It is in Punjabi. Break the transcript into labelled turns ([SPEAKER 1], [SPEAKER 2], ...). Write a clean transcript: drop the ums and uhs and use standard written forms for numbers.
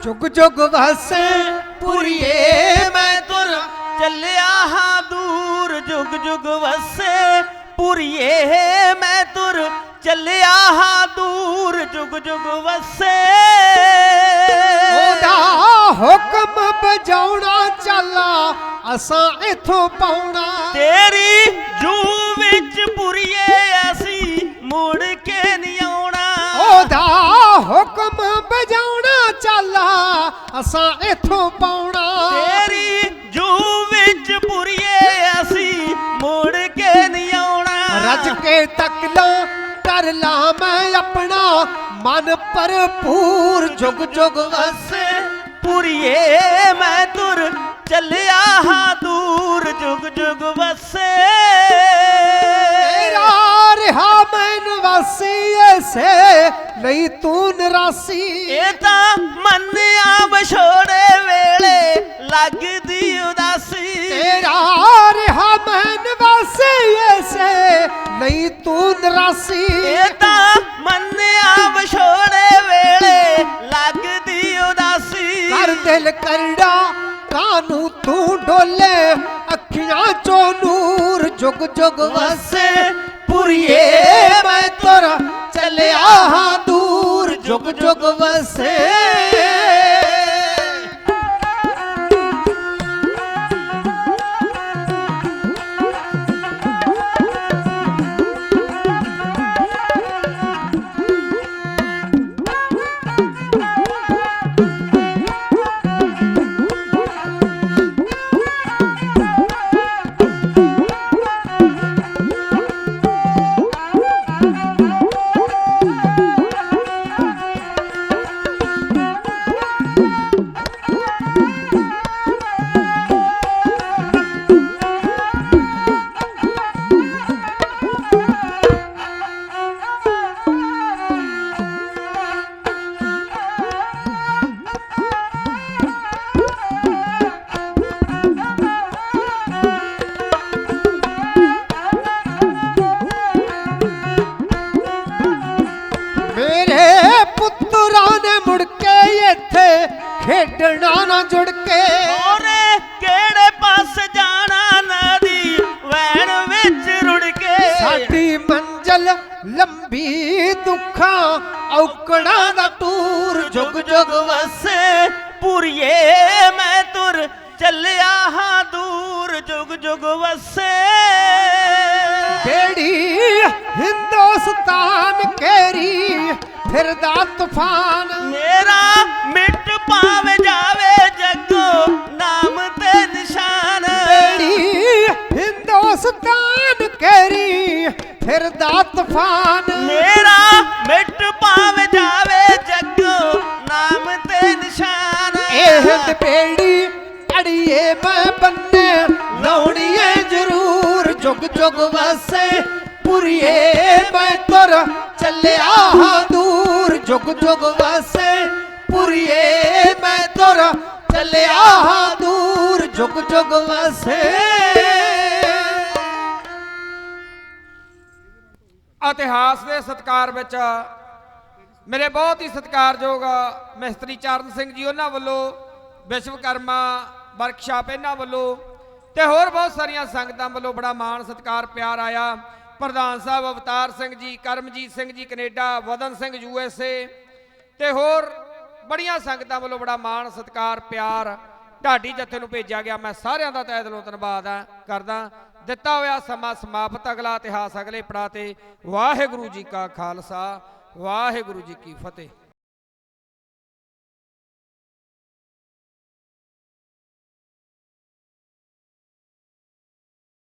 [SPEAKER 1] जुग जुग वसे पुरिए मैं तुर
[SPEAKER 2] ਚੱਲਿਆ ਹਾਂ ਦੂਰ ਜੁਗ ਜੁਗ ਵਸੇ ਪੁਰੀਏ ਮੈਂ ਤੁਰ ਚੱਲਿਆ ਹਾਂ ਦੂਰ ਜੁਗ ਜੁਗ ਵਸੇ
[SPEAKER 1] ओदा हुक्म बजाउणा चला असां इथों पाउणा
[SPEAKER 2] ਤੇਰੀ ਜੂ ਵਿੱਚ ਪੁਰੀਏ ਅਸੀਂ ਮੁੜ ਕੇ ਨਹੀਂ ਆਉਣਾ
[SPEAKER 1] ओदा हुक्म बजाउणा चला असां इथों पाउणा
[SPEAKER 2] ਤੇਰੀ ਜੂ ਵਿੱਚ ਪੁਰੀਏ ਅਸੀਂ ਮੁੜ ਕੇ ਨਹੀਂ ਆਉਣਾ
[SPEAKER 1] रज के तक ला कर ला मैं अपना मन भरपूर जुग जुग वसे
[SPEAKER 2] ਪੁਰੀਏ ਮੈਂ ਤੁਰ ਚੱਲਿਆ ਹਾਂ ਦੂਰ ਜੁਗ ਜੁਗ ਵਸੇ
[SPEAKER 1] तेरा रिहा मैं नवासी ऐसे नहीं तू निरासी
[SPEAKER 2] ਇਹ ਤਾਂ ਮੰਨਿਆ ਵਿਛੋੜੇ ਵੇਲੇ ਲੱਗਦੀ ਉਦਾਸੀ
[SPEAKER 1] तेरा रिहा मैं नवासी ऐसे नहीं तू निरासी
[SPEAKER 2] ਇਹ ਤਾਂ ਮੰਨਿਆ ਵਿਛੋੜੇ ਵੇਲੇ ਲੱਗਦੀ ਉਦਾਸੀ
[SPEAKER 1] कर दिल करड़ा कानू तू डोले अखियां चो नूर जुग जुग वसे पुरिए मैं तोरा चलिया हाँ दूर जुग जुग वसे मेरे पुत्तरा ने मुड़ के इत्थे खेडना ना जुड़ के
[SPEAKER 2] ਹੋਰੇ ਕਿਹੜੇ ਪਾਸ ਜਾਣਾ ਨਦੀ ਵੈਣ ਵਿੱਚ ਰੁੜ ਕੇ
[SPEAKER 1] साडी मंजिल लंबी दुखा औकड़ा दा टूर जुग जुग
[SPEAKER 2] ਵਸੇ ਪੁਰੀਏ ਮੈਂ ਤੁਰ ਚੱਲਿਆ ਹਾਂ ਦੂਰ ਜੁਗ ਜੁਗ ਵਸੇ
[SPEAKER 1] बेड़ी हिंदुस्तान केरी फिरदा तूफान
[SPEAKER 2] ਮੇਰਾ ਮਿਟ ਪਾਵੇ ਜਾਵੇ ਜੱਗੋ ਨਾਮ ਤੇ ਨਿਸ਼ਾਨ
[SPEAKER 1] बेड़ी हिंदुस्तान केरी फिरदा तूफान
[SPEAKER 2] ਮੇਰਾ ਮਿਟ ਪਾਵੇ ਜਾਵੇ ਜੱਗੋ ਨਾਮ ਤੇ ਨਿਸ਼ਾਨ
[SPEAKER 1] एहद बेड़ी अड़िए मैं बन्ने लौड़िए जरूर जुग जुग वसे पुरिए मैं तुर चलिया हाँ दूर जुग जुग वसे पुरिए मैं तुर चलिया हाँ दूर जुग जुग वसे
[SPEAKER 3] ਇਤਿਹਾਸ ਦੇ ਸਤਿਕਾਰ ਵਿੱਚ ਮੇਰੇ ਬਹੁਤ ਹੀ ਸਤਿਕਾਰਯੋਗ ਮਿਸਤਰੀ ਚਰਨ ਸਿੰਘ ਜੀ ਉਹਨਾਂ ਵੱਲੋਂ ਵਿਸ਼ਵਕਰਮਾ ਵਰਕਸ਼ਾਪ ਇਹਨਾਂ ਵੱਲੋਂ ਤੇ ਹੋਰ ਬਹੁਤ ਸਾਰੀਆਂ ਸੰਗਤਾਂ ਵੱਲੋਂ ਬੜਾ ਮਾਣ ਸਤਿਕਾਰ ਪਿਆਰ ਆਇਆ ਪ੍ਰਧਾਨ ਸਾਹਿਬ ਅਵਤਾਰ ਸਿੰਘ ਜੀ ਕਰਮਜੀਤ ਸਿੰਘ ਜੀ ਕੈਨੇਡਾ ਵਦਨ ਸਿੰਘ USA ਤੇ ਹੋਰ ਬੜੀਆਂ ਸੰਗਤਾਂ ਵੱਲੋਂ ਬੜਾ ਮਾਣ ਸਤਿਕਾਰ ਪਿਆਰ ਢਾਡੀ ਜੱਥੇ ਨੂੰ ਭੇਜਿਆ ਗਿਆ ਮੈਂ ਸਾਰਿਆਂ ਦਾ ਤਹਿ ਦਿਲੋਂ ਧੰਨਵਾਦ ਕਰਦਾ ਦਿੱਤਾ ਹੋਇਆ ਸਮਾਂ ਸਮਾਪਤ ਅਗਲਾ ਇਤਿਹਾਸ ਅਗਲੇ ਪੜਾਅ ਤੇ ਵਾਹਿਗੁਰੂ ਜੀ ਕਾ ਖਾਲਸਾ ਵਾਹਿਗੁਰੂ ਜੀ ਕੀ ਫਤਿਹ।